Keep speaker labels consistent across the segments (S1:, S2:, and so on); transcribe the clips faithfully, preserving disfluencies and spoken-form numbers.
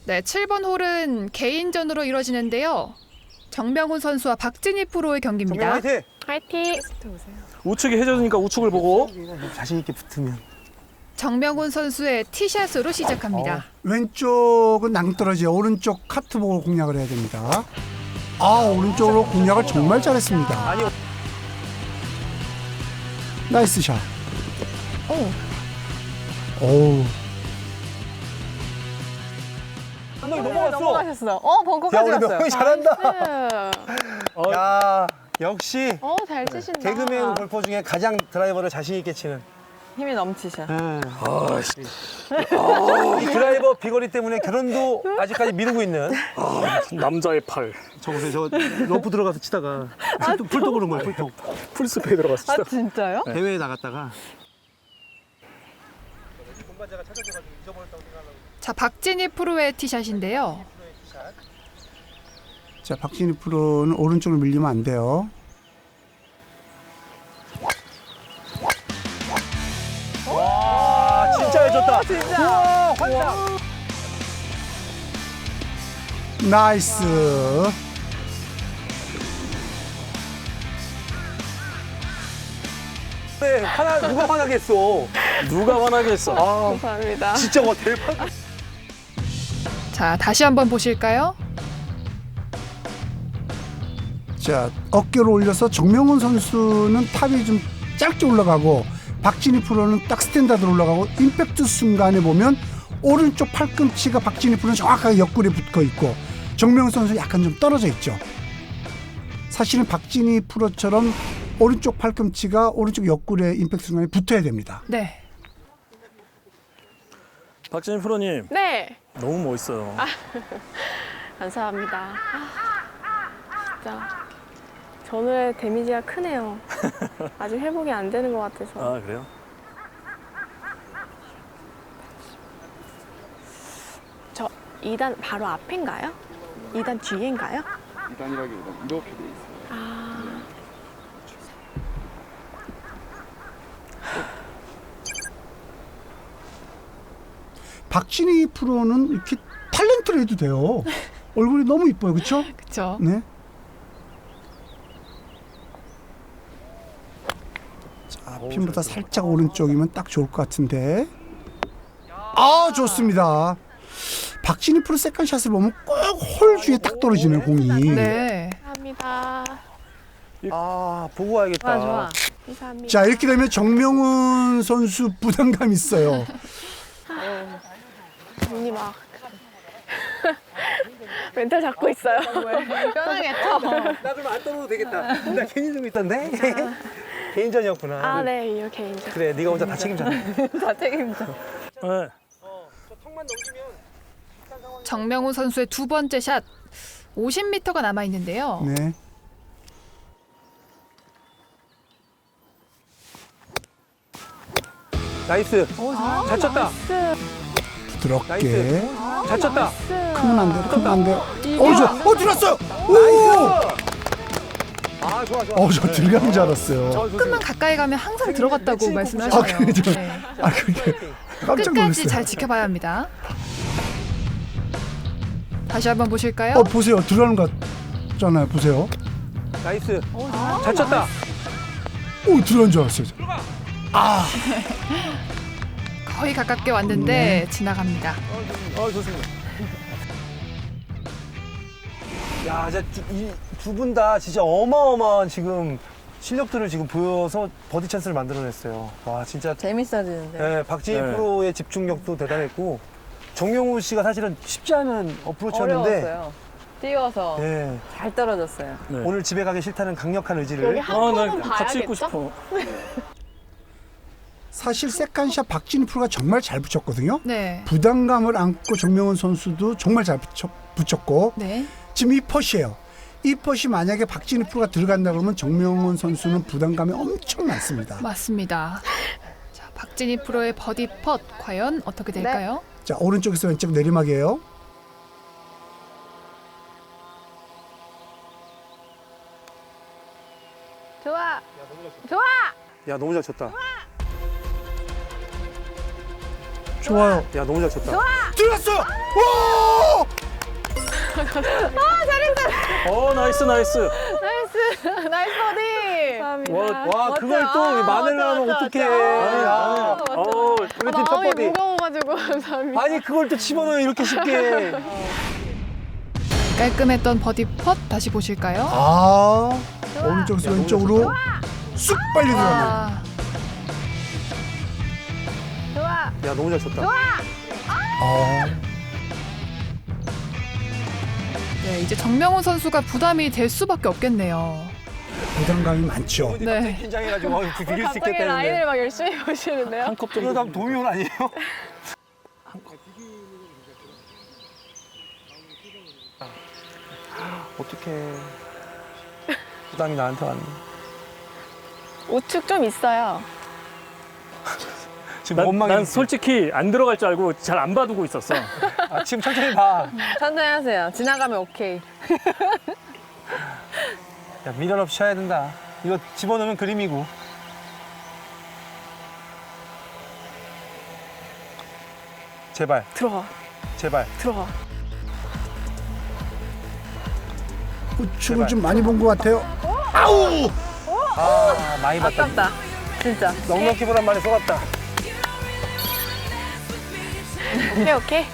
S1: 네, 칠 번 홀은 개인전으로 이뤄지는데요. 정명훈 선수와 박진희 프로의 경기입니다.
S2: 화이팅!
S3: 화이팅!
S4: 우측이 해저드니까 우측을 보고.
S2: 자신 있게 붙으면.
S1: 정명훈 선수의 티샷으로 시작합니다.
S5: 왼쪽은 낭떠러지요. 오른쪽 카트 보고 공략을 해야 됩니다. 아, 오른쪽으로 공략을 정말 잘했습니다.
S2: 아니,
S5: 나이스 샷.
S1: 오,
S5: 오우.
S2: 한명이 넘어갔어.
S3: 넘어가셨어. 어, 벙커까지
S2: 야, 우리
S3: 갔어요.
S2: 명훈이 잘한다.
S4: 어,
S2: 야, 역시
S3: 어, 잘 치신다.
S2: 개그맨 골퍼 중에 가장 드라이버를 자신 있게 치는.
S3: 힘이 넘치셔.
S4: 아, 씨.
S2: 이 드라이버 비거리 때문에 결혼도 아직까지 미루고 있는.
S4: 아, 남자의 팔.
S2: 저 보세요, 저 러프 들어가서 치다가 풀도, 풀도 그런 거예요, 풀도.
S4: 풀스페이 들어갔어.
S3: 아, 진짜요?
S2: 대회에 나갔다가.
S1: 자, 박진희 프로의 티샷인데요.
S5: 자, 박진희 프로는 오른쪽으로 밀리면 안 돼요.
S2: 와, 진짜 해줬다.
S3: 진짜.
S2: 우와, 환상.
S5: 나이스.
S2: 네, 화나, 누가 화나겠어.
S4: 누가 화나겠어.
S2: 아,
S3: 감사합니다.
S2: 진짜 와, 대박.
S1: 자, 다시 한번 보실까요?
S5: 자, 어깨를 올려서 정명훈 선수는 탑이 좀 짧게 올라가고 박진희 프로는 딱 스탠다드로 올라가고 임팩트 순간에 보면 오른쪽 팔꿈치가 박진희 프로는 정확하게 옆구리에 붙어 있고 정명훈 선수 약간 좀 떨어져 있죠. 사실은 박진희 프로처럼 오른쪽 팔꿈치가 오른쪽 옆구리에 임팩트 순간에 붙어야 됩니다.
S1: 네.
S4: 박진희 프로님,
S3: 네.
S4: 너무 멋있어요.
S3: 감사합니다. 아, 진짜. 전후에 데미지가 크네요. 아직 회복이 안 되는 것 같아서.
S4: 아, 그래요?
S3: 저 이 단 바로 앞인가요? 이 단 뒤인가요?
S6: 이 단이라기보다 이렇게 돼 있어요.
S3: 아,
S5: 박진희 프로는 이렇게 탤런트로 해도 돼요. 얼굴이 너무 이뻐요. 그렇죠?
S1: 그렇죠.
S5: 네. 자, 핀보다 살짝 오른쪽이면 딱 좋을 것 같은데. 아, 좋습니다. 박진희 프로 세컨샷을 보면 꼭 홀 주에 딱 떨어지네요, 공이.
S1: 네.
S3: 감사합니다.
S2: 아, 보고 와야겠다.
S3: 좋아, 좋아. 감사합니다.
S5: 자, 이렇게 되면 정명훈 선수 부담감 있어요.
S3: 언니 막 멘탈 잡고 있어요. 편하겠죠?
S2: 나 그럼 안 떠나도 되겠다. 나 괜히 들고 있던데? 개인전이었구나.
S3: 아, 네, 이렇게 이제
S2: 그래, 네가 혼자 다 책임져.
S3: 다 책임져.
S4: 네.
S1: 정명훈 선수의 두 번째 샷. 오십 미터가 남아 있는데요.
S5: 네.
S2: 나이스. 잘 쳤다.
S5: 부드럽게.
S2: 나이스. 잘 쳤다.
S5: 크면 안 돼요, 크면 안 돼요. 어, 저, 어, 들었어요! 오!
S2: 아, 좋아, 좋아.
S5: 어, 저 들어간 줄 알았어요.
S1: 조금만 가까이 가면 항상 들어갔다고
S2: 네,
S1: 말씀하시네요.
S5: 아, 그래, 저-
S1: 네.
S5: 아, 그게 깜짝
S1: 끝까지
S5: 놀랐어요.
S1: 잘 지켜봐야 합니다. 다시 한번 보실까요?
S5: 어, 보세요. 들어가는 것 같잖아요. 보세요.
S2: 나이스. 잘 쳤다.
S5: 오, 들어간 줄 알았어요. 아,
S1: 거의 가깝게 왔는데
S5: 네.
S1: 지나갑니다.
S2: 어, 좋습니다. 야, 이두 분 다 진짜 어마어마한 지금 실력들을 지금 보여서 버디 찬스를 만들어냈어요. 와, 진짜.
S3: 재밌어지는데.
S2: 네, 박진희
S4: 네.
S2: 프로의 집중력도 대단했고 정명훈 씨가 사실은 쉽지 않은 어프로치였는데
S3: 어려웠어요. 뛰어서
S2: 네,
S3: 잘 떨어졌어요.
S4: 네.
S2: 오늘 집에 가기 싫다는 강력한 의지를
S3: 여기 한
S4: 아,
S3: 번은
S4: 나 같이 있고
S3: 봐야겠죠?
S4: 싶어.
S5: 사실 세컨샷 박진희 프로가 정말 잘 붙였거든요.
S1: 네.
S5: 부담감을 안고 정명훈 선수도 정말 잘 붙였, 붙였고
S1: 네.
S5: 지금 이 퍼시예요. 이 퍼시 만약에 박진희 프로가 들어간다 그러면 정명훈 선수는 부담감이 엄청 많습니다.
S1: 맞습니다. 자, 박진희 프로의 버디 펫 과연 어떻게 될까요?
S5: 자, 오른쪽에서 왼쪽 내리막이에요.
S3: 좋아. 좋아.
S2: 야, 너무 잘 쳤다.
S5: 좋아요.
S2: 야, 너무 잘 쳤다.
S5: 들어갔어요. 오!
S4: 어 나이스 나이스.
S3: 나이스 나이스 버디.
S4: 와,
S2: 와 그걸 또
S3: 아,
S2: 마늘
S3: 맞다,
S2: 넣으면
S3: 맞다,
S2: 어떡해.
S4: 마늘,
S2: 야.
S4: 마늘. 어
S2: 우리 팀 첫
S3: 마음이
S2: 버디.
S3: 무거워가지고 감사합니다.
S2: 아니 그걸 또 집어넣어 이렇게 쉽게.
S1: 깔끔했던 버디 펫 다시 보실까요?
S5: 아 오른쪽에서
S2: 야, 너무
S5: 왼쪽으로 쑥 빨리 들어가네.
S1: 아,
S3: 좋아.
S2: 야 너무 잘 쳤다.
S5: 아,
S1: 네, 이제 정명훈 선수가 부담이 될 수밖에 없겠네요.
S5: 부담감이 많죠.
S1: 네.
S2: 갑자기 긴장해가지고 어, 비길 수
S3: 갑자기
S2: 있겠다
S3: 라인을
S2: 했는데.
S3: 막 열심히 보시는데요.
S4: 한 컵 정도.
S2: 이러다 도미온 아니에요? 어떡해. 부담이 나한테 왔네.
S3: 우측 좀 있어요.
S2: 지금
S4: 난,
S2: 원망이.
S4: 난 솔직히 안 들어갈 줄 알고 잘 안 봐두고 있었어.
S2: 아, 지금 천천히 봐.
S3: 천천히 하세요. 지나가면 오케이.
S2: 야 미련 없이 쳐야 된다. 이거 집어넣으면 그림이고. 제발,
S3: 들어가.
S2: 제발.
S3: 들어가.
S5: 우측을
S2: 제발.
S5: 좀 많이 본 것 같아요.
S2: 아 많이 봤다.
S3: 아깝다. 진짜.
S2: 넉넉히 보란 말에 속았다.
S3: 오케이 오케이.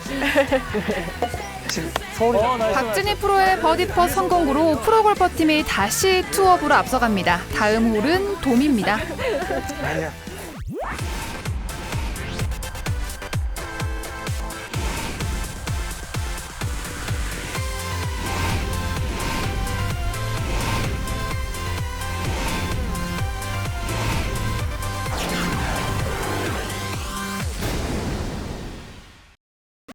S2: 지금 서울이.
S4: 어 나이스.
S1: 박진희 프로의 버디 펫 성공으로 프로골퍼팀이 다시 투업으로 앞서갑니다. 다음 홀은 돔입니다.
S2: 아니야.